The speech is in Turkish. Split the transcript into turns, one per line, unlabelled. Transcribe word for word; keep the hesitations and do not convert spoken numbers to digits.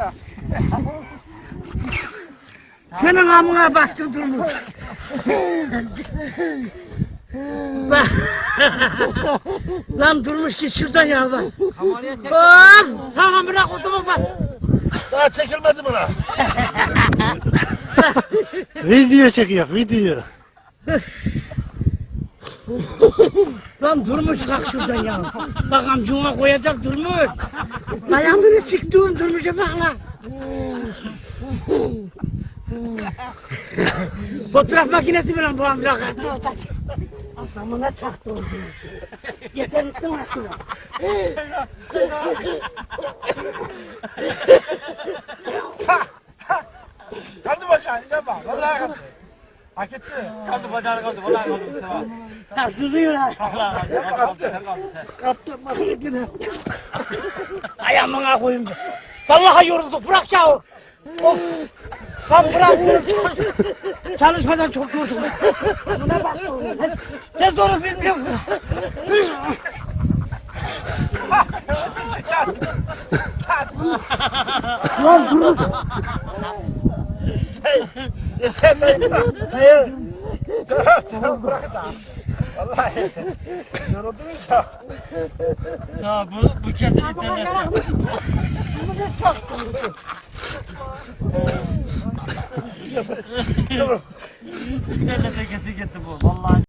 ya.
Senin amına bastım durmuş. Bak. Lan durmuş git şuradan ya bak. Hop! Tamam bırak otomu bak.
Daha çekilmedi buna.
Video çekiyor, video.
Lan durmuş kalk şuradan ya. Bak amcuna koyacak durmuş. Ayağımını çıktım durmuşa bak lan. Fotoğraf makinesi mi lan bu amca? Adamına çaktı oldu. Yeter ettin lan şuna.
Kaldı bacağını ne bak. Vallahi kaldı. Hak etti.
Kaldı bacağını kaldı. Vallahi kaldı Mustafa.
Ha duruyor ha.
Allah sen kaldı. Sen kaldı sen.
Kaptım makinesi. Ayağımına koyayım. Vallahi yoruldu bırak ya. Of. Lan bırak. Çalışmadan çok yoruldum. Buna bak. Ne zoru bilmiyorum. Lan dur.
Yeter lan. Hayır. Tamam bırak da. Vallahi. Yoruldunuz ya.
Ya bu, bu kesin internet. İnternete kesin gitti bu. Vallahi.